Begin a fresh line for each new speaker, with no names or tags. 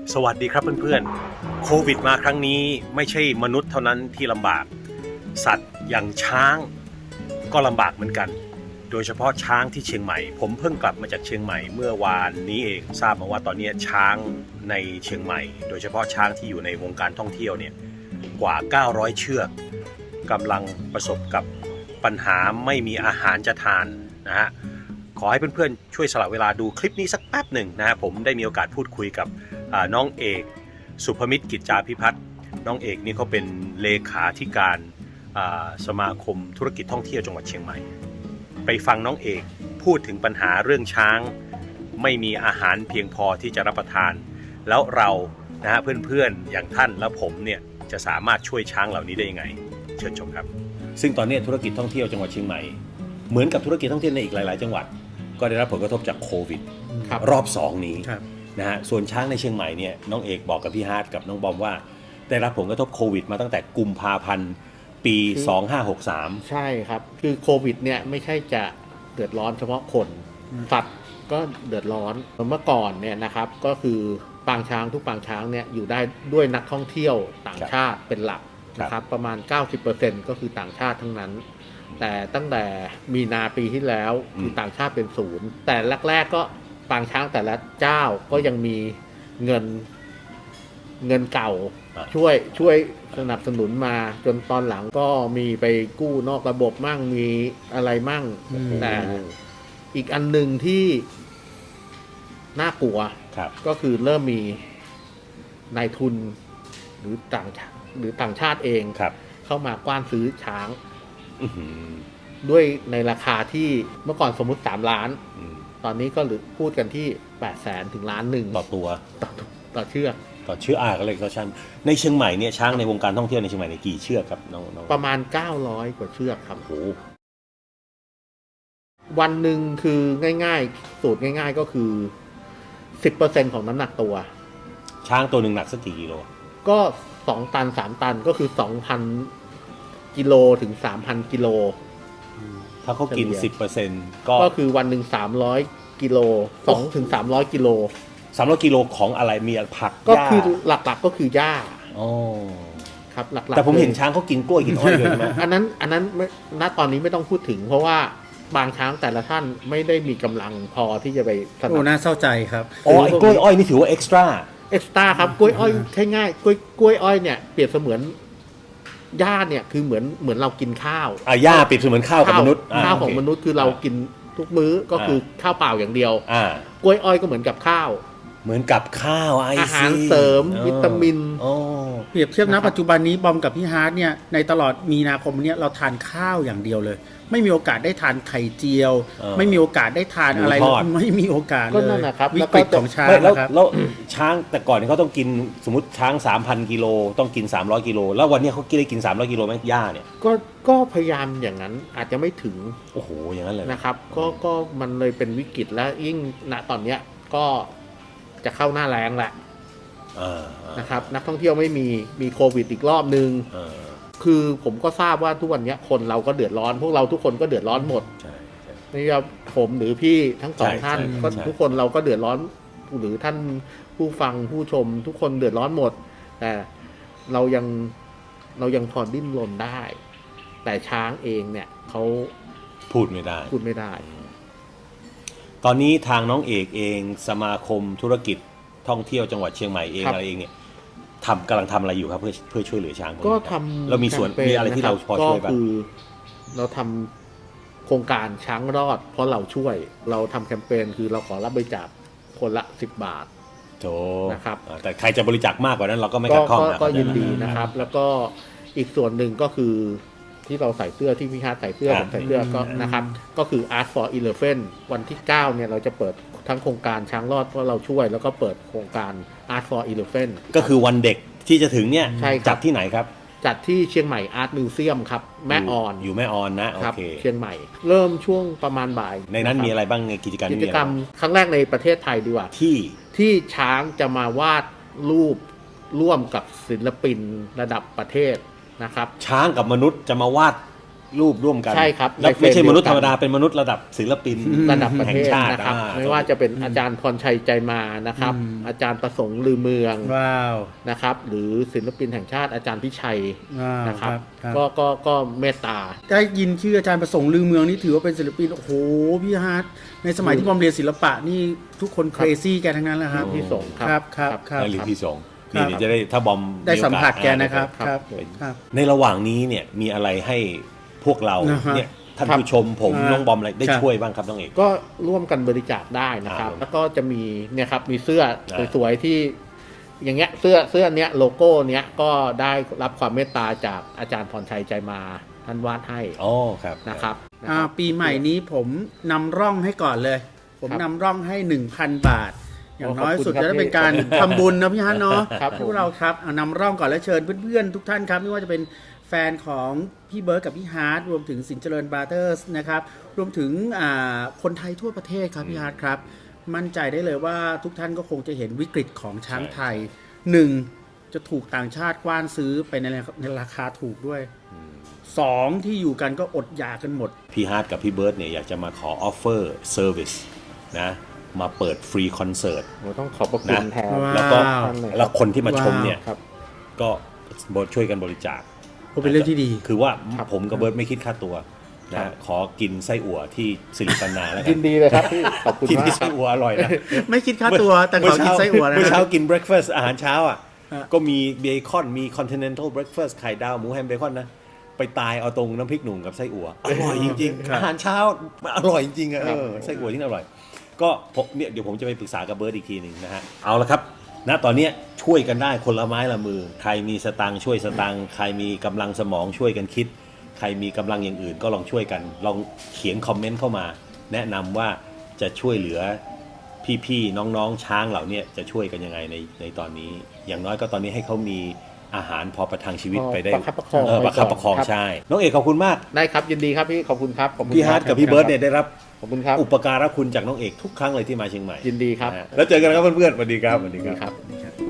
สวัสดีครับเพื่อนๆโควิดมาครั้งนี้ไม่ใช่มนุษย์เท่านั้นที่ลำบากสัตว์อย่างช้างก็ลำบากเหมือนกันโดยเฉพาะช้างที่เชียงใหม่ผมเพิ่งกลับมาจากเชียงใหม่เมื่อวานนี้เองทราบมาว่าตอนนี้ช้างในเชียงใหม่โดยเฉพาะช้างที่อยู่ในวงการท่องเที่ยวเนี่ยกว่า900เชือกกำลังประสบกับปัญหาไม่มีอาหารจะทานนะฮะขอให้เพื่อนๆช่วยสละเวลาดูคลิปนี้สักแป๊บหนึ่งนะฮะผมได้มีโอกาสพูดคุยกับน้องเอกสุภมิตรกิจจาภิพัฒน์น้องเอกนี่เขาเป็นเลขาธิการสมาคมธุรกิจท่องเที่ยวจังหวัดเชียงใหม่ไปฟังน้องเอกพูดถึงปัญหาเรื่องช้างไม่มีอาหารเพียงพอที่จะรับประทานแล้วเรานะฮะเพื่อนๆอย่างท่านและผมเนี่ยจะสามารถช่วยช้างเหล่านี้ได้ยังไงเชิญชมครับซึ่งตอนนี้ธุรกิจท่องเที่ยวจังหวัดเชียงใหม่เหมือนกับธุรกิจท่องเที่ยวในอีกหลายๆจังหวัดก็ได้รับผลกระทบจากโควิดรอบ2นี้นะฮะส่วนช้างในเชียงใหม่เนี่ยน้องเอกบอกกับพี่ฮาร์ดกับน้องบอมว่าได้รับผลกระทบโควิดมาตั้งแต่กุมภาพันธ์ปี2563
ใช่ครับคือโควิดเนี่ยไม่ใช่จะเดือดร้อนเฉพาะคนสัตว์ก็เดือดร้อนเมื่อก่อนเนี่ยนะครับก็คือปางช้างทุกปางช้างเนี่ยอยู่ได้ด้วยนักท่องเที่ยวต่างชาติเป็นหลักนะครับประมาณ 90% ก็คือต่างชาติทั้งนั้นแต่ตั้งแต่มีนาปีที่แล้วคือต่างชาติเป็นศูนย์แต่แรกๆก็ปางช้างแต่ละเจ้าก็ยังมีเงินเก่าช่วยสนับสนุนมาจนตอนหลังก็มีไปกู้นอกระบบมั่งมีอะไรมั่งแต่อีกอันหนึ่งที่น่ากลัวก็คือเริ่มมีนายทุนหรือต่างชาติเองเข้ามากว้านซื้อช้างด้วยในราคาที่เมื่อก่อนสมมุติ3 ล้านตอนนี้ก็พูดกันที่800,000 ถึง1 ล้านต่อตัวต่อเชือก
ก็เลยก็ช่างในเชียงใหม่เนี่ยช้างในวงการท่องเที่ยวในเชียงใหม่กี่เชือกครับน้อง
ประมาณ900 กว่าเชือกครับโอ้วันหนึ่งคือง่ายๆสูตรง่ายๆก็คือ 10% ของน้ำหนักตัว
ช้างตัวหนึ่งหนักสักกี่กิโล
ก็2 ตัน 3 ตันก็คือ 2,000 กิโลถึง 3,000 กิโล
ถ้าเขากิน 10% ก็
คือวันหนึ่ง300 กิโล2 ถึง 300 กิโล
300 กิโลของอะไรมีผัก
ก็คือหลักๆก็คือหญ้าครับหลักๆ
แต่ผมเห็นช้างเขากินกล้วยกินอ้อยเลยไหม
อันนั้นณตอนนี้ไม่ต้องพูดถึงเพราะว่าบางช้างแต่ละท่านไม่ได้มีกำลังพอที่จะไป
โอ้น่าเศร้าใจครับ
ไอ้กล้วยอ้อยนี่ถือว่าเอ็กซ์ตร้า
ครับกล้วยอ้อยง่ายๆกล้วยอ้อยเนี่ยเปรียบเสมือนหญ้าเนี่ยคือเหมือนเรากินข้าว
หญ้าเปรียบเสมือนข้าวของมนุษย์
ข้าวของมนุษย์คือเรากินทุกมื้อก็คือข้าวเปล่าอย่างเดียวกล้วยอ้อยก็เหมือนกับข้าว
อา
หารเสริมวิตามิน
เปรียบเทียบนะปัจจุบันนี้บอมกับพี่ฮาร์ดเนี่ยในตลอดมีนาคมนี้เราทานข้าวอย่างเดียวเลยไม่มีโอกาสได้ทานไข่เจียวไม่มีโอกาสได้ทานอะไรไม่มีโอกาสเลยวิกฤตของช้าง
นะครับแล้วช้างแต่ก่อนเขาต้องกินสมมติช้าง 3,000 กิโลต้องกิน300 กิโลแล้ววันนี้เขาได้กิน300 กิโลไหมหญ้าเนี่ย
ก็พยายามอย่างนั้นอาจจะไม่ถึง
โอ้โหอย่างนั้นเลย
นะครับก็มันเลยเป็นวิกฤตแล้วยิ่งณตอนเนี้ยก็จะเข้าหน้าแล้งแหละนะครับนักท่องเที่ยวไม่มีโควิดอีกรอบนึงคือผมก็ทราบว่าทุกวันนี้คนเราก็เดือดร้อนพวกเราทุกคนก็เดือดร้อนหมดนี่ครับผมหรือพี่ทั้งสองท่านก็ทุกคนเราก็เดือดร้อนหรือท่านผู้ฟังผู้ชมทุกคนเดือดร้อนหมดแต่เรายังพอดิ้นรนได้แต่ช้างเองเนี่ยเขา
พูดไม่ได้ตอนนี้ทางน้องเอกเองสมาคมธุรกิจท่องเที่ยวจังหวัดเชียงใหม่เองอะไรเองเนี่ยกำลังทำอะไรอยู่ครับเพื่อช่วยเหลือช้าง
ก็ทำ
เรามีส่วนมีอะไรที่เราพอช่วยบ้าง
ก็คือเราทำโครงการช้างรอดเพราะเราช่วยเราทำแคมเปญคือเราขอรับบริจาคคนละ10 บาทนะครับ
แต่ใครจะบริจาคมากกว่านั้นเราก็ไม่ขัดข้อง
ก็ยินดีนะครับแล้วก็อีกส่วนหนึ่งก็คือที่เราใส่เสื้อที่พี่ฮาร์ดใส่เสื้อผมใส่เสื้อก็นะครับก็คือ Art for Elephant วันที่9เนี่ยเราจะเปิดทั้งโครงการช้างรอดเพราะเราช่วยแล้วก็เปิดโครงการ Art for Elephant
ก็คือวันเด็กที่จะถึงเนี่ยจัดที่ไหนครับ
จัดที่เชียงใหม่ Art Museum ครับแม่ออน
อยู่แม่ออนนะโอเค
เชียงใหม่เริ่มช่วงประมาณบ่าย
ในนั้นมีอะไรบ้างในกิจกรรม
ครั้งแรกในประเทศไทยดีกว่าที่ช้างจะมาวาดรูปร่วมกับศิลปินระดับประเทศนะครับ
ช้างกับมนุษย์จะมาวาดรูปร่วมกัน
ใช่ครับ
แล้ว
ในเฟรม
ไม่ใช่มนุษย์
เดี
ธ
ยว
ร
กัน
รมดาเป็นมนุษย์ระดับศิลปิน
ระดับประ
แห่
เท
ง
ศ
ชาติ
นะครับ
อ่
ไม่ว่าจะเป็นอาจารย์พรชัยใจมานะครับ อาจารย์ประสงค์ลือเมือง
ว้าว
นะครับ หรือศิลปินแห่งชาติอาจารย์พิชัย
ว้าว
นะครับ
ครับ
ก็เมตตา
ได้ยินชื่ออาจารย์ประสงค์ลือเมืองนี่ถือว่าเป็นศิลปินโอ้โหพี่ฮาร์ดในสมัยที่บอมเรียนศิลปะนี่ทุกคนเครซี่แกทั้งนั้นแหละครับ
พี่สงฆ์
ครับครับครับ
นั่นหรือพี่สงฆ์
ครับ
นี่เดี๋ยวจะได้ถ้าบอม
ได้สัมผัสแก
โอกาส
นะครับ
ครับ
ครับ
ผม
ครับ
ในระหว่างนี้เนี่ยมีอะไรให้พวกเรา
นะฮะ
เนี่ยท่าน
ครับ
ผู้ชมผม
อ่า
น้องบอมอะไรได้
ครับ
ช่วยบ้างครับน้องเอก
ก็ร่วมกันบริจาคได้นะครับ แล้วก็จะมีเนี่ยครับมีเสื้อสวยๆที่ อย่างเงี้ยเสื้อเนี้ยโลโก้เนี้ยก็ได้รับความเมตตาจากอาจารย์พรชัยใจมาท่านวาดให้
อ๋อครับ
นะครับ
ปีใหม่นี้ผมนำร่องให้ก่อนเลย ผมนำร่องให้ 1,000 บาท อย่างน้อยสุดจะได้เป็นการทำบุญนะพี่ฮันเนาะ
ครับ
พวกเราครับเอานำร่องก่อนและเชิญเพื่อนๆทุกท่านครับไม่ว่าจะเป็นแฟนของพี่เบิร์ดกับพี่ฮาร์ดรวมถึงสินเจริญบราเธอร์สนะครับรวมถึงคนไทยทั่วประเทศครับพี่ฮาร์ดครับ มั่นใจได้เลยว่าทุกท่านก็คงจะเห็นวิกฤตของช้างไทยหนึ่งจะถูกต่างชาติกว้านซื้อไปในราคาถูกด้วยสองที่อยู่กันก็อดอยากกันหมด
พี่ฮาร์ดกับพี่เบิร์ดเนี่ยอยากจะมาขอออฟเฟอร์เซอร์วิสนะมาเปิดฟรีคอนเสิร์ต
ผมต้องขอบพระคุณ
นะ
แทน
ว้าว
แล้วก็
ท่านเลย
แล้วคนที่มาชมเนี่ย
ครับ
ก็ช่วยกันบริจาค
ก็เป็นเรื่องที่ดี
คือว่า
ครับ
ผมกับเบิร์ดไม่คิดค่าตัว
ครั
นะ
บ
ขอกินไส้อั่วที่สิริปันนาแล้วกั
ยินดีเลยครับพี่ขอบคุณ
กิน
มาก
ที่
ค
ไส้
รับ
อั่วอร่อยนะ
ไม่คิดค่าตัวแต่ขอกินไส้อั่วนะ
เมื่อเช้ากินเบรคเฟาสต์อาหารเช้าอ่ะ
ฮะ
ก็มีเบคอนมีคอนติเนนทัลเบรคเฟาสต์ไข่ดาวหมูแฮมเบคอนนะ ไปตายเอาตรงน้ำพริกหนุ่มกับไส้อั่วอร่อยจริงๆอาหารเช้ามันอร่อยจริงๆอะไส้อั่วที่อร่อย ก็ผมเนี่ยเดี๋ยวผมจะไปปรึกษากับเบิร์ดอีกทีหนึ่งนะฮะเอาละครับณตอนเนี้ยช่วยกันได้คนละไม้ละมือ ใครมีสตังค์ช่วยสตังค์ใครมีกำลังสมองช่วยกันคิด ใครมีกำลังอย่างอื่นก็ลองช่วยกันลองเขียนคอมเมนต์เข้ามา แนะนำว่าจะช่วยเหลือพี่ๆน้องๆช้างเหล่านี้จะช่วยกันยังไงในตอนนี้ อย่างน้อยก็ตอนนี้ให้เขามีอาหารพอประทังชีวิตไปได้
ประคับประคอง
ประคับประคอง
ครับ
ใช่น้องเอกขอบคุณมาก
ได้ครับยินดีครับพี่ขอบคุณครับขอบคุณ
พี่ฮาร์ดกับพี่เบิร์ดเนี่ยได้รับ
ขอบคุณครับ
อุปการะคุณจากน้องเอกทุกครั้งเลยที่มาเชียงใหม่
ยินดีครับ
นะฮะแล้วเจอกันครับเพื่อนๆสวัสดีครับสวัสดี
ดี
ครับ
ครับ